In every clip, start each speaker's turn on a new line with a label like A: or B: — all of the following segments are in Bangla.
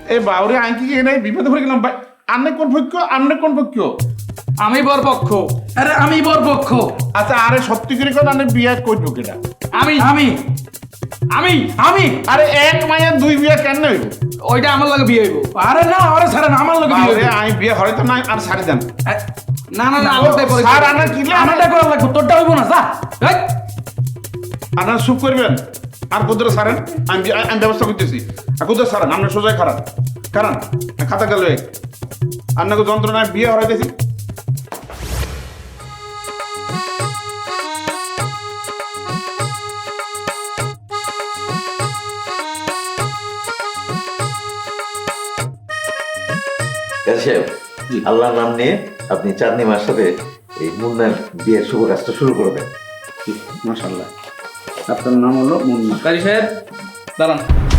A: এ বাউরে আঙ্কি নাই বিপদে পড়ে গেলাম ভাই। আন্নে কোন পক্ষ? আন্নে কোন পক্ষ?
B: আমি বরপক্ষ।
C: আরে আমি বরপক্ষ।
A: আচ্ছা আরে সত্যি করে কোন আন্নে বিয়ে করবো কেটা?
B: আমি
C: আমি
B: আমি
C: আমি
A: আরে এক মায়ের দুই বিয়ে কেন হইব?
B: ওইটা আমার লাগে বিয়ে হইব।
C: আরে না আরে ছাড়েন আমার লোক
A: বাউরে আমি বিয়ে হয়তো না আর ছাড়ি দেন।
B: না না না আমারটাই পরে
A: স্যার আনা কি
C: আমারটা করা লাগবে, তোরটা হইব না যা।
B: এই,
A: আপনারা চুপ করবেন আর কুদরে সারেন। আমি ব্যবস্থা করতেছি। আর কুদরে সারেন আপনার সোজাই খারাপ কারণ খাতা গেল আপনাকে যন্ত্রণায় বিয়ে হরাইতেছি।
D: সাহেব, আল্লাহর নাম নিয়ে আপনি চাঁদনি মার সাথে এই মুন্নার বিয়ের শুভ কাজটা শুরু করবেন।
A: মাশাআল্লাহ। আপনার নাম হলো মুন্না।
B: কাজী সাহেব দাঁড়ান।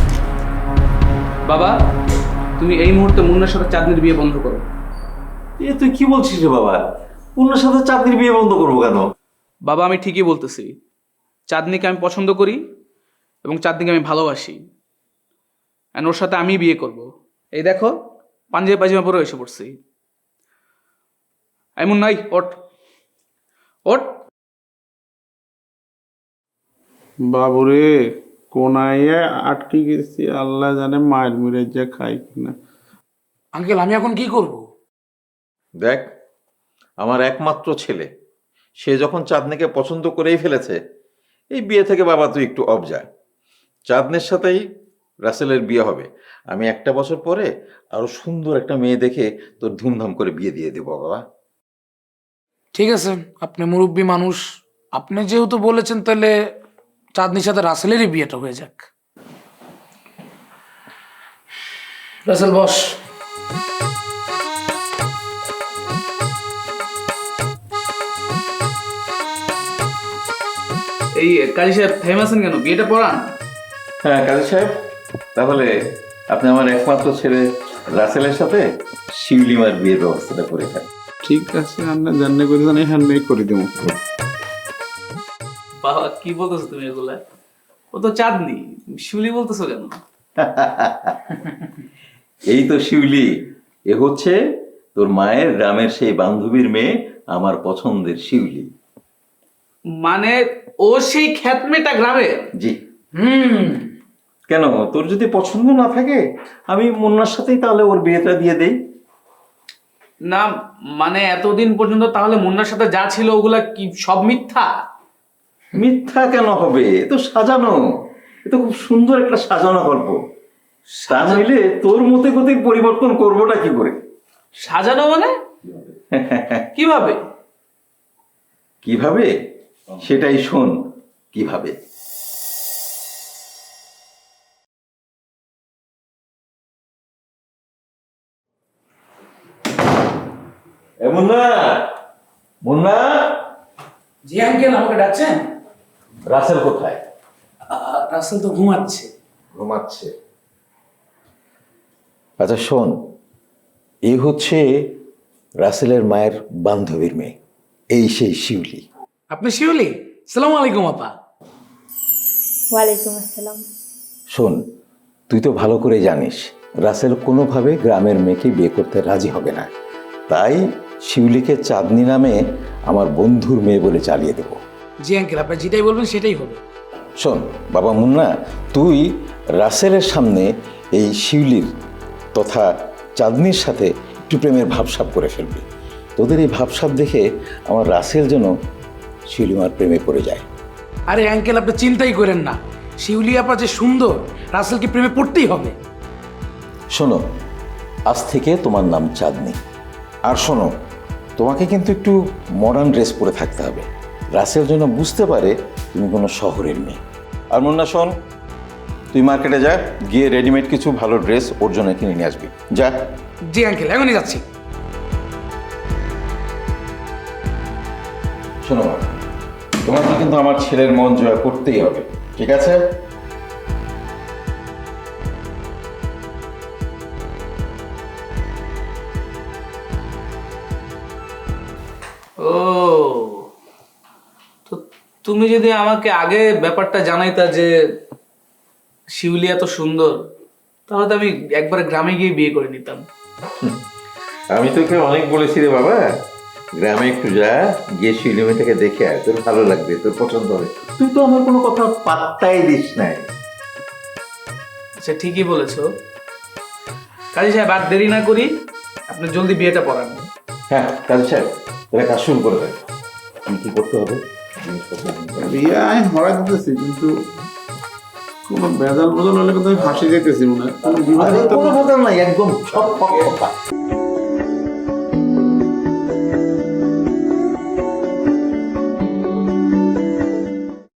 B: বাবা তুমি এই মুহূর্তে মুন্নার সাথে চাঁদনির বিয়ে বন্ধ করো।
D: এ তুই কি বলছিস রে বাবা? মুন্নার সাথে চাঁদনির বিয়ে বন্ধ করবো কেন?
B: বাবা আমি ঠিকই বলতেছি, চাঁদনিকে আমি পছন্দ করি এবং চাঁদনিকে আমি ভালোবাসি। অ্যান্ড ওর সাথে আমি বিয়ে করব। এই দেখো পাঞ্জাবি পায়জামা পরে এসে পড়ছি। এমন নাই, ওঠ ওঠ।
A: বাবুরে কোনায় আটকে গেছি, আল্লাহ জানে মায়ের মুড়ে যে খাই কিনা।
C: আঙ্কেল আমি এখন কি করব?
D: দেখ, আমার একমাত্র ছেলে, সে যখন চাঁদনিকে পছন্দ করেই ফেলেছে, এই বিয়ে থেকে বাবা তুই একটু অফ যা। চাঁদনির সাথেই রাসেলের বিয়ে হবে। আমি একটা বছর পরে আরো সুন্দর একটা মেয়ে দেখে তোর ধুমধাম করে বিয়ে দিয়ে দেবো বাবা।
C: ঠিক আছে, আপনি মুরব্বী মানুষ, আপনি যেহেতু বলেছেন তাহলে চাঁদনির সাথে রাসেলেরই বিয়েটা হয়ে যাক। রাসেল বস।
B: এই কাজী সাহেব থেমে আছেন কেন? বিয়েটা পড়ান।
D: হ্যাঁ কাজী সাহেব, তাহলে আপনি আমার একমাত্র ছেলে রাসেলের সাথে শিউলিমার বিয়ের ব্যবস্থাটা করে থাকেন।
A: ঠিক আছে, আমরা জানলে করে জানি হ্যান্ড মেক করে দেবো।
B: বাবা কি বলতেছো তুমি এগুলা? ও তো চাঁদনি, শিউলি বলতেছো কেন?
D: এই তো শিউলি, এ হচ্ছে তোর মায়ের গ্রামের সেই বান্ধবীর মেয়ে, আমার পছন্দের শিউলি।
B: মানে ও সেই খ্যাতমেটা গ্রামে?
D: জি।
C: হুম,
D: কেন, তোর যদি পছন্দ না থাকে আমি মুন্নার সাথেই তাহলে ওর বিয়েটা দিয়ে দেই।
B: না মানে এতদিন পর্যন্ত তাহলে মুন্নার সাথে যা ছিল ওগুলা কি সব মিথ্যা?
D: মিথ্যা কেন হবে? এ তো সাজানো, এ তো খুব সুন্দর একটা সাজানো গল্প। তা নইলে তোর মতে গতিক পরিবর্তন করবোটা কি করে?
B: সাজানো মানে কিভাবে?
D: কিভাবে সেটাই শোন। কিভাবে? এ মুন্না, মুন্না,
C: জি আঙ্কেল আমাকে ডাকছেন?
D: রাসেল কোথায়?
C: রাসেল তো ঘুমাচ্ছে।
D: ঘুমাচ্ছে। আচ্ছা শোন, এই হচ্ছে রাসেলের মায়ের বান্ধবীর মেয়ে, এই সেই শিউলি।
C: আপনি শিউলি? সালাম আলাইকুম আপা।
E: ওয়ালাইকুম আসসালাম।
D: শোন, তুই তো ভালো করে জানিস রাসেল কোনোভাবে গ্রামের মেয়েকে বিয়ে করতে রাজি হবে না। তাই শিউলিকে চাঁদনি নামে আমার বন্ধুর মেয়ে বলে চালিয়ে দেব।
C: জি আঙ্কেল আপনি যেটাই বলবেন সেটাই হবে।
D: শোন বাবা মুন্না, তুই রাসেলের সামনে এই শিউলির তথা চাঁদনির সাথে একটু প্রেমের ভাবসাব করে ফেলবি। তোদের এই ভাবসাব দেখে আমার রাসেল যেন শিউলিমার প্রেমে পড়ে যায়।
C: আরে আঙ্কেল আপনি চিন্তাই করেন না, শিউলি আপা যে সুন্দর, রাসেলকে প্রেমে পড়তেই হবে।
D: শোনো, আজ থেকে তোমার নাম চাঁদনি। আর শোনো, তোমাকে কিন্তু একটু মডার্ন ড্রেস পরে থাকতে হবে, রাসেল যেন বুঝতে পারে তুমি কোনো শহরের মেয়ে। আর মুন্না শোন, তুই মার্কেটে যা, গিয়ে রেডিমেড কিছু ভালো ড্রেস ওর জন্য কিনে নিয়ে আসবি, যা।
C: জি আঙ্কেল এখনই যাচ্ছি।
D: শোনো মা, তোমাকে কিন্তু আমার ছেলের মন জয় করতেই হবে, ঠিক আছে?
B: ও তো তুমি যদি আমাকে আগে ব্যাপারটা জানাইতা যে শিউলি এত সুন্দর, তাহলে তো আমি একবারে গ্রামে গিয়ে বিয়ে করে নিতাম।
D: আমি তোকে অনেক বলেছি রে বাবা, গ্রামে একটু যা, গিয়ে শিউলি মেয়েটাকে দেখে আয়, তোর ভালো লাগবে, তোর পছন্দ হবে। তুই তো আমার কোনো কথা পাত্তাই দিস নাই।
B: আচ্ছা ঠিকই বলেছো। কাজী সাহেব আর দেরি না করি, আপনি জলদি বিয়েটা পড়ান।
D: হ্যাঁ কাজী সাহেব, তোরা কাজ শুরু করে দেয়। কি করতে হবে? জিনিসপত্র আনতে হবে।
A: বিয়ে আমি হরা দিতেছি, কিন্তু কোনো ভেজাল বদল হলে কিন্তু আমি ফাঁসি যেতেছি মনে হয়। কোনো বিবাদ
D: আরে
A: হতে
D: কোনো
A: পারে।
D: কথা নাই, একদম সব কথা।